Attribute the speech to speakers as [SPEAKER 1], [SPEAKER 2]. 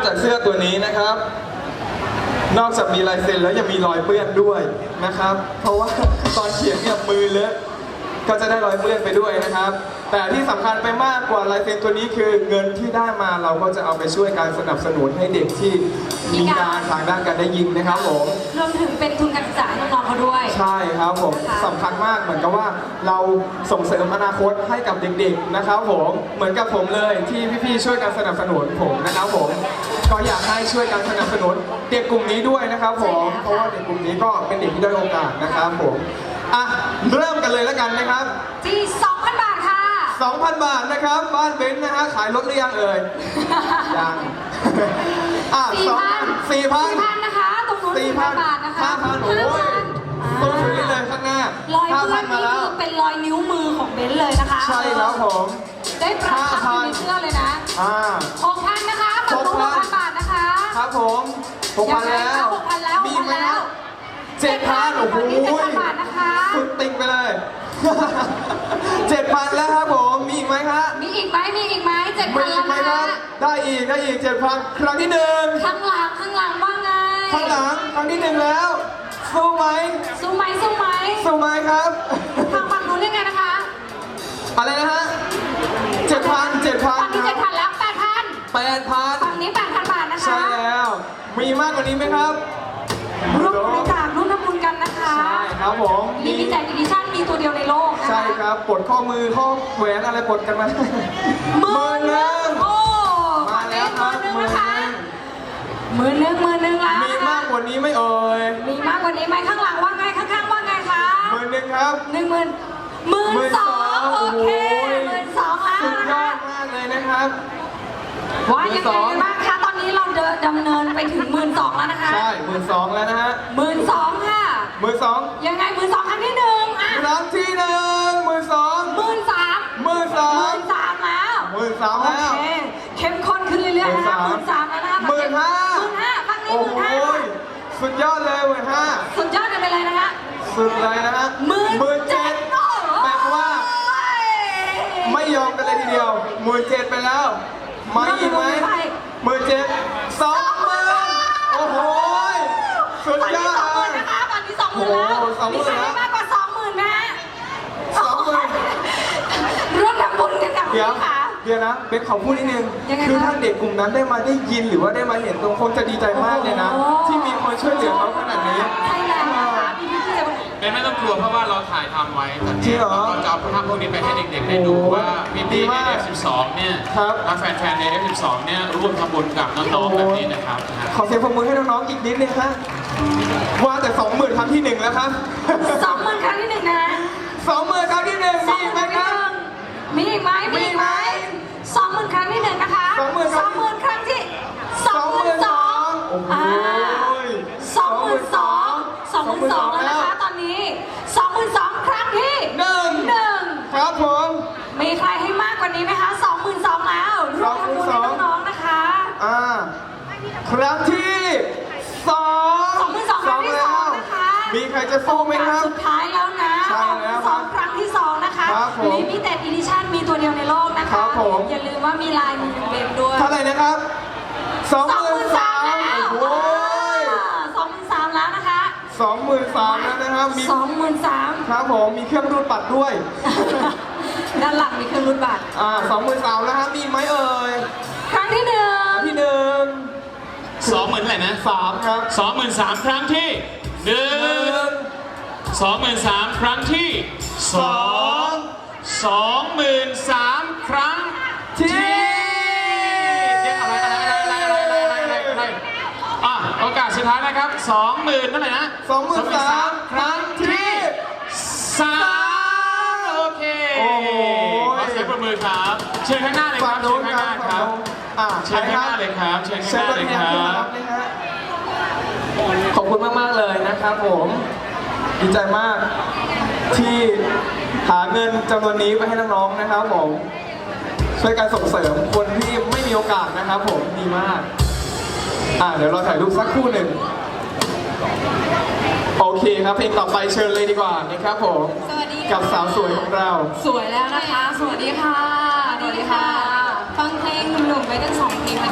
[SPEAKER 1] จากเสื้อตัวนี้นะครับนอกจากมีลายเซ็นแล้วยังมีรอยเปื้อนด้วยนะครับเพราะว่าตอนเขียนเนี่ยมือเลอะก็จะได้รอยเปื้อนไปด้วยนะครับแต่ที่สำคัญไปมากกว่าลายเซ็นตัวนี้คือเงินที่ได้มาเราก็จะเอาไปช่วยการสนับสนุนให้เด็กที่มีงานทางด้านการได้ยินนะครับผม
[SPEAKER 2] รวมถึงเป็นทุนการศึกษาให้น้องๆเขาด้วย
[SPEAKER 1] ใช่ครับผมสำคัญมากเหมือนกับว่าเราส่งเสริมอนาคตให้กับเด็กๆนะครับผมเหมือนกับผมเลยที่พี่ๆช่วยกันสนับสนุนผมนะครับผมก็อยากให้ช่วยกันสนับสนุนเด็กกลุ่มนี้ด้วยนะครับผมเพราะว่าเด็กกลุ่มนี้ก็เป็นเด็กที่ได้โอกาสนะครับผมอ่ะเริ่มกันเลยแล้วกันนะครับ
[SPEAKER 2] ที่ 2,000 บาทค่ะ
[SPEAKER 1] 2,000 บาทนะครับบ้านเบนซ์นะฮะขายรถหรือยังเอ่ยยังอ่ะ 4,000
[SPEAKER 2] นะคะตรงนู้น 4,000 บาทนะคะ
[SPEAKER 1] 5,000 โอ้ยต้องซื้อเลยข้างหน้าร
[SPEAKER 2] อยเพื่อนนี่คือเป็นรอยนิ้วมือของเบนซ์เลยนะคะ
[SPEAKER 1] ใช่ครับผม
[SPEAKER 2] ได้ปรับทับอยู่ในเสื้อเลยนะ6,000 นะคะฝั่งนู้น 6,000 บาทนะคะ
[SPEAKER 1] ครับผม6,000 แล้ว
[SPEAKER 2] 6,000 แล้ว
[SPEAKER 1] มีไหมครับ7,000 โอ้โห
[SPEAKER 2] 7,000 บาทนะคะ
[SPEAKER 1] สุดติ๊กไปเลย 7,000 แล้วครับผมมีอีกไหมครับ
[SPEAKER 2] มีอีกไหม7,000
[SPEAKER 1] แล้วนะได้อีก 7,000 ครั้งที่1
[SPEAKER 2] ข้างหลังว่าไง
[SPEAKER 1] ข้างหลังครั้งที่1แล้วสู้ไหมครับ
[SPEAKER 2] ฝั่งนู้นยังไงนะคะ
[SPEAKER 1] อะไรนะฮะ7,000
[SPEAKER 2] ฝั่งนี้ 7,000 แล้ว
[SPEAKER 1] 8,000
[SPEAKER 2] ฝั่งนี้ 8,000 บาทนะคะ
[SPEAKER 1] ใช่แล้วมีมากกว่านี้ไหมครับ
[SPEAKER 2] ร่วมบริจาคร่วมทำบุญกันนะคะ
[SPEAKER 1] ใช่ครับผม
[SPEAKER 2] มีแจกดิจิชั่นมีตัวเดียวในโลกนะคะ
[SPEAKER 1] ใช่ครับปลดข้อมือข้อแหวนอะไรปลดกันมา10,000
[SPEAKER 2] โอ้
[SPEAKER 1] มาแล้วครับ
[SPEAKER 2] 10,000แล้ว
[SPEAKER 1] มีมากกว่านี้ไหมเอ่ย
[SPEAKER 2] มีมากกว่านี้ไหมข้างหลังว่าไงข้างๆว่าไงคะ
[SPEAKER 1] 10,000ครับ
[SPEAKER 2] 12,000โอเค12,000แล้ว
[SPEAKER 1] สุดย
[SPEAKER 2] นะคะ
[SPEAKER 1] อดมากเลยนะครับ
[SPEAKER 2] ว่ายังไงบ้างคะตอนนี้เราดำเนินไปถึง12,000แล้วนะคะ
[SPEAKER 1] ใช่12,000แล้วนะฮะ
[SPEAKER 2] 12,000ค่ะ
[SPEAKER 1] 12,000
[SPEAKER 2] ยังไง12,000ครั้งที่1อ่ะ
[SPEAKER 1] ครั้งที่1 12,000
[SPEAKER 2] 13,000แล้ว
[SPEAKER 1] 13,000แล้ว
[SPEAKER 2] โอเคเข้มข้นขึ้นเรื่อยๆนะคะ13,000แล้วนะคะ15,000ครั้งนี้15,000
[SPEAKER 1] สุดยอดเลย15,000
[SPEAKER 2] สุดยอดกันไปเลยนะคะ
[SPEAKER 1] สุดเลยนะฮะ17,000แปลว่าไม่ยอมกันเลยทีเดียว17,000ไปแล้วไม่อีกไหม17,000 20,000โอ้โหสุดยอดเลย
[SPEAKER 2] นะคะตอนนี้20,000แล้วมีใครมากกว่า20,000ไหมฮะ20,000ร่วมทำบุญกันกับพี่ค่ะ
[SPEAKER 1] เดี๋ยวนะเบนขอพูดนิดนึงคือถ้าเด็กกลุ่มนั้นได้ยินหรือว่าได้มาเห็นตรงคงจะดีใจมากเลยนะที่มีคนช่วยเหลือเขาขนาดนี้
[SPEAKER 2] ใช่แล้วนะคะ
[SPEAKER 3] เบนไม่ต้องกลัวเพราะว่าเราถ่ายทำไว้ตอนนี้เราจะเอาภาพพวกนี้ไปให้เด็กๆได้ดูว่าพี่ๆใน F12 เนี่ยแฟนๆใน F12 เนี่ยร่วมทำบุญกับน้องๆแบบนี้นะครับ
[SPEAKER 1] ขอเสียงปรบมือให้น้องๆอีกนิดนึงครับว่าแต่20,000ครั้งที่1แล้วครับ
[SPEAKER 2] 20,000ครั้งที่1นะ
[SPEAKER 1] 20,000ครั้งที่1มีไหมครับ
[SPEAKER 2] มีไหม20,000ครั้งที่1นะคะ20,000ครั้งที่22,000โอ้โห22,000แล้วนะคะตอนนี้22,000ครั้งที่1
[SPEAKER 1] ครับผม
[SPEAKER 2] มีใครให้มากกว่านี้ไหมคะ22,000แล้วร่วมทำบุญให้น้องๆนะคะ
[SPEAKER 1] ครั้งที่
[SPEAKER 2] 22,000ครั้งที่2นะคะ
[SPEAKER 1] มีใครจะสู้ไหมครับ
[SPEAKER 2] สุดท้ายแล้วนะ22,000ครั้งที่2นะคะLimited Edition มีตัวเดียวในโลกนะคะอย่าลืมว่ามีลายมือเบนด้วย
[SPEAKER 1] เท่าไหร่นะครับ
[SPEAKER 2] 23,000แล้วโอ้ย23,000แล้วนะคะ
[SPEAKER 1] 23,000แล้วนะครับมี
[SPEAKER 2] 23,000
[SPEAKER 1] ครับผมมีเครื่องรูดบัตรด้วย
[SPEAKER 2] ด้านหลังมีเครื่องรูดบัตร
[SPEAKER 1] 23,000แล้วครับมีไหมเอ่ย
[SPEAKER 2] ครั้งที่1
[SPEAKER 3] 20,000อะไรนะ
[SPEAKER 1] 3ครับ
[SPEAKER 3] 23,000ครั้งที่1 23,000ครั้งที่2 23,000ครั้งที่โอกาสสุดท้ายนะครับ20,000เท่าไหร่นะ
[SPEAKER 1] 23,000ครั้งที่
[SPEAKER 3] 3โอเคขอเสียงปรบมือครับเชิญข้างหน้าเลยครับเชิญข้างหน้าครับเชิญข้างหน้าเลยครับเชิญข้างหน้าเลยครับ
[SPEAKER 1] ขอบคุณมากๆเลยนะครับผมดีใจมากที่หาเงินจำนวนนี้ไปให้น้องๆนะครับผมช่วยการส่งเสริมคนที่ไม่มีโอกาสนะครับผมดีมากเดี๋ยวเราถ่ายรูปสักครู่หนึ่งโอเคครับเพลงต่อไปเชิญเลยดีกว่านะครับผมกับสาวสวยของเรา
[SPEAKER 2] สวยแล้วนะคะสวัสดีค่ะฟังเพลงหนุ่มๆไปตั้ง2เพลง